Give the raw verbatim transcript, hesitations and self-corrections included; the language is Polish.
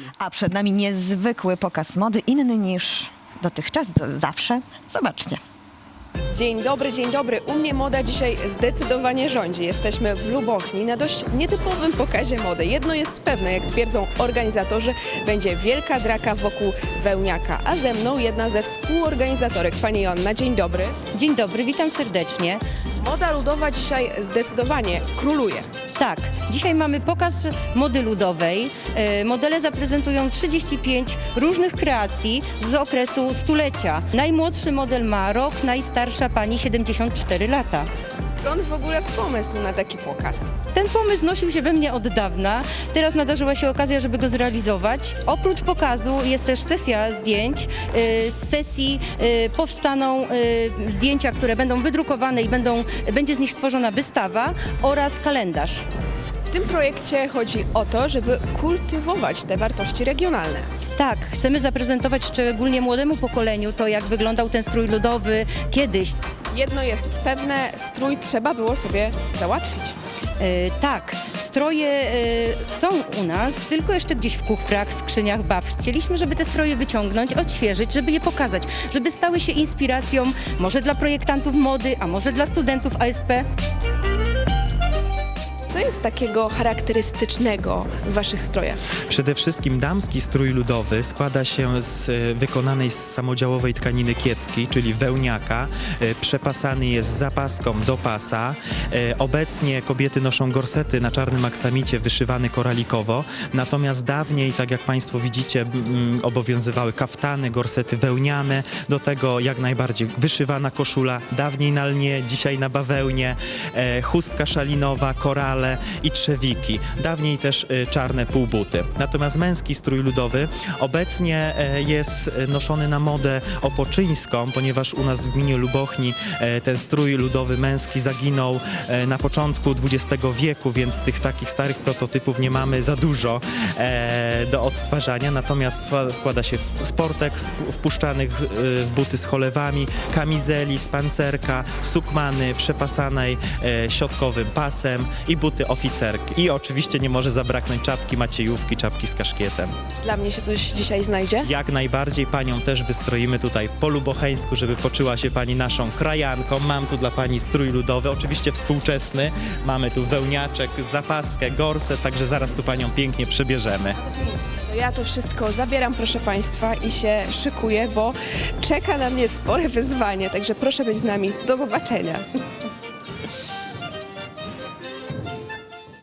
A przed nami niezwykły pokaz mody, inny niż dotychczas, do, zawsze. Zobaczcie. Dzień dobry, dzień dobry. U mnie moda dzisiaj zdecydowanie rządzi. Jesteśmy w Lubochni na dość nietypowym pokazie mody. Jedno jest pewne, jak twierdzą organizatorzy, będzie wielka draka wokół wełniaka. A ze mną jedna ze współorganizatorek, pani Joanna. Dzień dobry. Dzień dobry, witam serdecznie. Moda ludowa dzisiaj zdecydowanie króluje. Tak, dzisiaj mamy pokaz mody ludowej. E, Modele zaprezentują trzydzieści pięć różnych kreacji z okresu stulecia. Najmłodszy model ma rok, najstarsza pani siedemdziesiąt cztery lata. Skąd w ogóle pomysł na taki pokaz? Ten pomysł nosił się we mnie od dawna. Teraz nadarzyła się okazja, żeby go zrealizować. Oprócz pokazu jest też sesja zdjęć. E, Z sesji e, powstaną e, zdjęcia, które będą wydrukowane i będą, będzie z nich stworzona wystawa oraz kalendarz. W tym projekcie chodzi o to, żeby kultywować te wartości regionalne. Tak, chcemy zaprezentować szczególnie młodemu pokoleniu to, jak wyglądał ten strój ludowy kiedyś. Jedno jest pewne, strój trzeba było sobie załatwić. E, tak, stroje e, są u nas, tylko jeszcze gdzieś w kufrach, skrzyniach babci. Chcieliśmy, żeby te stroje wyciągnąć, odświeżyć, żeby je pokazać, żeby stały się inspiracją może dla projektantów mody, a może dla studentów A S P. Co jest takiego charakterystycznego w waszych strojach? Przede wszystkim damski strój ludowy składa się z e, wykonanej z samodziałowej tkaniny kieckiej, czyli wełniaka. E, Przepasany jest zapaską do pasa. E, Obecnie kobiety noszą gorsety na czarnym aksamicie wyszywany koralikowo. Natomiast dawniej, tak jak Państwo widzicie, m, obowiązywały kaftany, gorsety wełniane. Do tego jak najbardziej wyszywana koszula, dawniej na lnie, dzisiaj na bawełnie. E, Chustka szalinowa, korale i trzewiki. Dawniej też y, czarne półbuty. Natomiast męski strój ludowy obecnie e, jest noszony na modę opoczyńską, ponieważ u nas w gminie Lubochni e, ten strój ludowy męski zaginął e, na początku dwudziestego wieku, więc tych takich starych prototypów nie mamy za dużo e, do odtwarzania. Natomiast twa- składa się w sportek sp- wpuszczanych e, w buty z cholewami, kamizeli, z pancerka, sukmany przepasanej e, środkowym pasem i buty oficerki. I oczywiście nie może zabraknąć czapki maciejówki, czapki z kaszkietem. Dla mnie się coś dzisiaj znajdzie? Jak najbardziej panią też wystroimy tutaj po lubocheńsku, żeby poczuła się pani naszą krajanką. Mam tu dla pani strój ludowy, oczywiście współczesny. Mamy tu wełniaczek, zapaskę, gorset, także zaraz tu panią pięknie przebierzemy. To ja to wszystko zabieram, proszę państwa, i się szykuję, bo czeka na mnie spore wyzwanie, także proszę być z nami. Do zobaczenia.